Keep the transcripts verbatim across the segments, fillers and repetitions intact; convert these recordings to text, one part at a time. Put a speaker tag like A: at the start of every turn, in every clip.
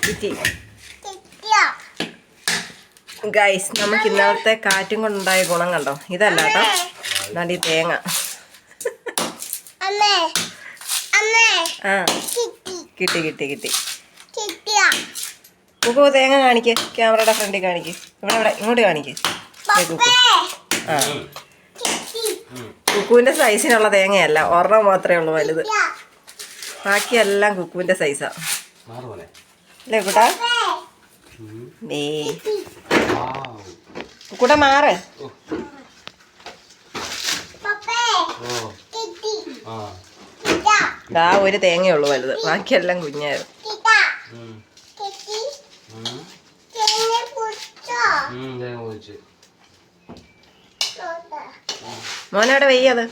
A: കിട്ടി. ഗൈസ്, നമുക്ക് ഇന്നലത്തെ കാറ്റും കൊണ്ടുണ്ടായ ഗുണം കണ്ടോ? ഇതല്ല കേട്ടോ, എന്നാണ്ട് ഈ തേങ്ങ. ആ കിട്ടി കിട്ടി കിട്ടി. കുക്കു തേങ്ങ കാണിക്ക്, ക്യാമറയുടെ ഫ്രണ്ടിൽ കാണിക്ക്. ഇവിടെ ഇവിടെ ഇങ്ങോട്ട് കാണിക്ക്. കുക്കു ആ കുക്കുവിൻ്റെ സൈസിനുള്ള തേങ്ങയല്ല, ഒരെണ്ണം മാത്രമേ ഉള്ളൂ വലുത്. ബാക്കിയെല്ലാം കുക്കുവിൻ്റെ സൈസാ അല്ലേ കൂട്ടാ? ഏ കൂട്ട മാറ്. ദാ ഒരു തേങ്ങയുള്ളൂ വലുത്, ബാക്കിയെല്ലാം കുഞ്ഞായിരുന്നു. മോനവിടെ വെയ്യത്.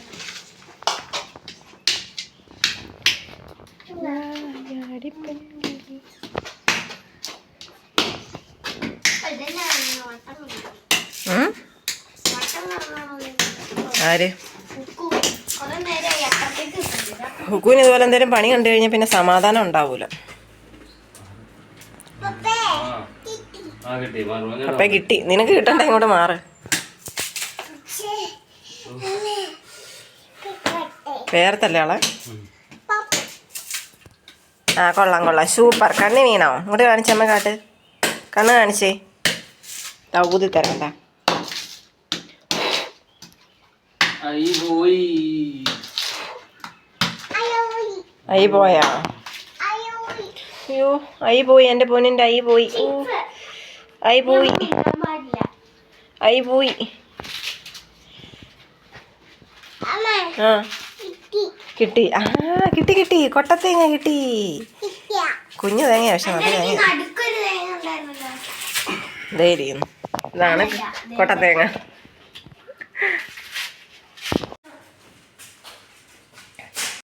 A: ആര് ഹുക്കുവിന് ഇതുപോലെ എന്തെങ്കിലും പണി കണ്ടു കഴിഞ്ഞാൽ പിന്നെ സമാധാനം ഉണ്ടാവൂല. അപ്പൊ കിട്ടി, നിനക്ക് കിട്ടണ്ട, ഇങ്ങോട്ട് മാറ്. വേർത്തല്ലേ ആളെ? ആ കൊള്ളാം കൊള്ളാം, സൂപ്പർ. കണ്ണ് വീണോ? ഇങ്ങോട്ട് കാണിച്ചമ്മ, കാട്ട്, കണ്ണ് കാണിച്ചേ. ഊതി തരണ്ട. അയ്യ പോയാ? അയ്യോ ഐ പോയി, എൻ്റെ പൊന്നിൻ്റെ ഐ പോയി. ഐ പോയി ഐ പോയി. ആ കിട്ടി. ആ കിട്ടി കിട്ടി, കൊട്ടത്തേങ്ങ കിട്ടി. കുഞ്ഞു തേങ്ങ, പക്ഷെ നല്ല തേങ്ങ. ഇതേ ഇരിക്കുന്നു, ഇതാണ് കൊട്ടത്തേങ്ങ.